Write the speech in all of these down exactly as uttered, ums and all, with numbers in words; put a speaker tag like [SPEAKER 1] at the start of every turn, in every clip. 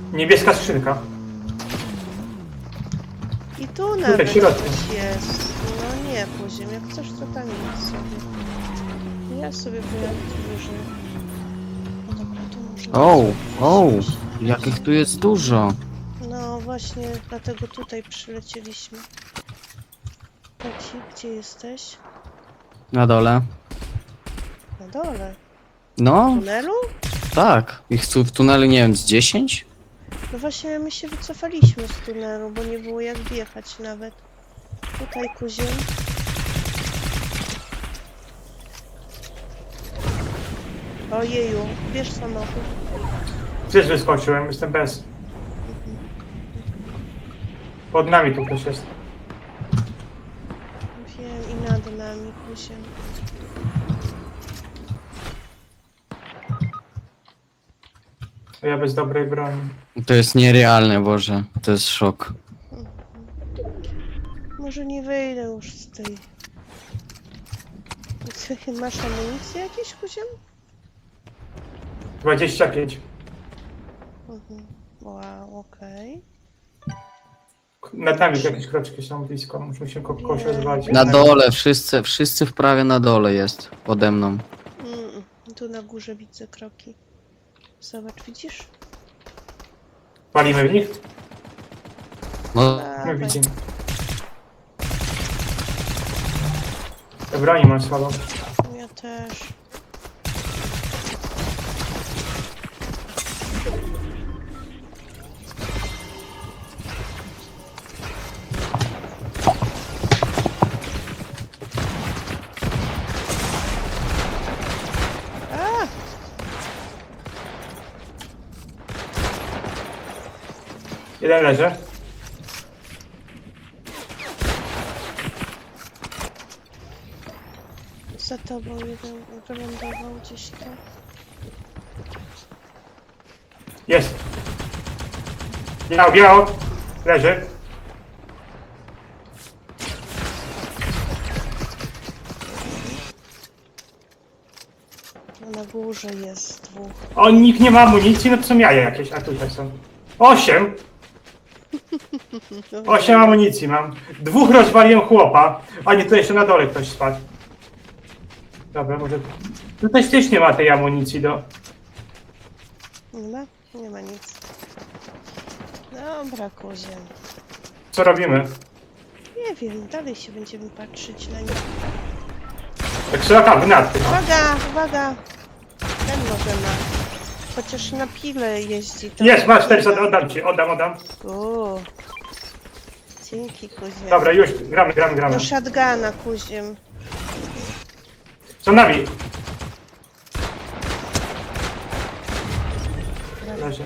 [SPEAKER 1] Niebieska skrzynka.
[SPEAKER 2] I tu nawet
[SPEAKER 1] w środku.
[SPEAKER 2] coś jest. No nie, poziom, jak coś to tam jest sobie. Ja sobie pojadę tu wyżej. No dobra, tu muszę...
[SPEAKER 3] O,
[SPEAKER 2] sobie
[SPEAKER 3] o,
[SPEAKER 2] wziąć.
[SPEAKER 3] jakich tu jest dużo.
[SPEAKER 2] No właśnie, dlatego tutaj przylecieliśmy. Leci, gdzie jesteś?
[SPEAKER 3] Na dole.
[SPEAKER 2] Na dole. W
[SPEAKER 3] No,
[SPEAKER 2] tunelu?
[SPEAKER 3] tak. Ich tu w tunelu, nie wiem, z dziesięć?
[SPEAKER 2] No właśnie, my się wycofaliśmy z tunelu, bo nie było jak wjechać nawet. Tutaj kuziem. Ojeju, bierz samochód.
[SPEAKER 1] Gdzieś wyskoczyłem, jestem bez. Pod nami tu ktoś jest.
[SPEAKER 2] Wiem, i nad nami kuziem.
[SPEAKER 1] A ja bez dobrej broni.
[SPEAKER 3] To jest nierealne, Boże. To jest szok.
[SPEAKER 2] Może nie wyjdę już z tej... Ty masz amunicję jakieś kuziem?
[SPEAKER 1] dwadzieścia pięć.
[SPEAKER 2] Mhm. Wow, okej.
[SPEAKER 1] Nad nami jakieś kroczki są blisko, musimy się ko kogoś
[SPEAKER 2] Nie.
[SPEAKER 1] rozwalić.
[SPEAKER 3] Na dole, wszyscy, wszyscy w prawie na dole jest. Pode mną.
[SPEAKER 2] Mm, tu na górze widzę kroki. Zobacz, widzisz?
[SPEAKER 1] Walimy w nich?
[SPEAKER 3] No,
[SPEAKER 1] Nie
[SPEAKER 2] Dawaj.
[SPEAKER 1] widzimy. Te broni mam słabo.
[SPEAKER 2] Ja też. A!
[SPEAKER 1] Jeden leży.
[SPEAKER 2] Za tobą jeden wylądował gdzieś tam.
[SPEAKER 1] Jest. Biało, biało. Leży.
[SPEAKER 2] No na górze jest dwóch.
[SPEAKER 1] O, nikt nie ma amunicji, no to są jaja jakieś, a tutaj są. Osiem.
[SPEAKER 2] No,
[SPEAKER 1] Osiem amunicji mam. Dwóch rozwaliłem chłopa. A nie, to jeszcze na dole ktoś spadł. Dobra, może... Tutaj też nie ma tej amunicji do...
[SPEAKER 2] Nie ma? Nie ma nic. Dobra, koziem.
[SPEAKER 1] Co robimy?
[SPEAKER 2] Nie wiem, dalej się będziemy patrzeć na nie.
[SPEAKER 1] Tak szlaka gnat.
[SPEAKER 2] Uwaga, uwaga! Ten może ma. Chociaż na pile jeździ. To
[SPEAKER 1] Jest, masz też, oddam ci, oddam, oddam.
[SPEAKER 2] O, dzięki kuziem.
[SPEAKER 1] Dobra, już, gramy, gramy, gramy.
[SPEAKER 2] Do shotguna kuziem.
[SPEAKER 1] Są nami. Leży.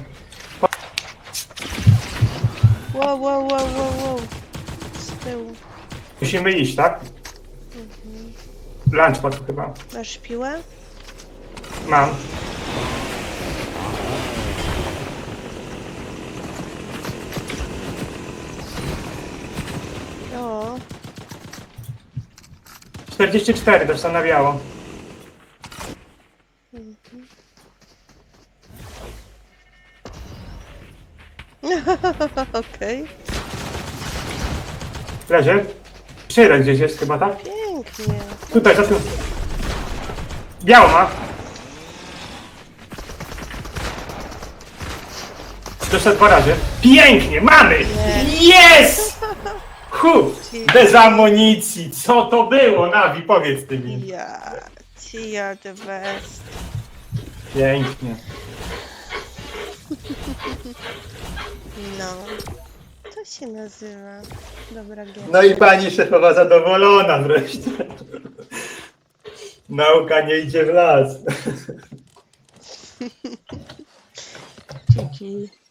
[SPEAKER 2] Wow, wow, wow, wow, wow. Z tyłu.
[SPEAKER 1] Musimy iść, tak? Lunchpad chyba.
[SPEAKER 2] Masz piłę?
[SPEAKER 1] Mam.
[SPEAKER 2] O,
[SPEAKER 1] czterdzieści cztery też na biało.
[SPEAKER 2] okej.
[SPEAKER 1] Leży. Jeszcze jeden gdzieś jest chyba, tak?
[SPEAKER 2] Pięknie.
[SPEAKER 1] Tutaj, za tym. Biało ma. Doszedł dwa razy. Pięknie, mamy! Jest! Hu! Bez amunicji. Co to było, Nawi? Powiedz ty mi.
[SPEAKER 2] Ja, ci are the best.
[SPEAKER 1] Pięknie.
[SPEAKER 2] No. To się nazywa. Dobra gier.
[SPEAKER 1] No i pani szefowa zadowolona wreszcie. Nauka nie idzie w las.
[SPEAKER 2] Dzięki.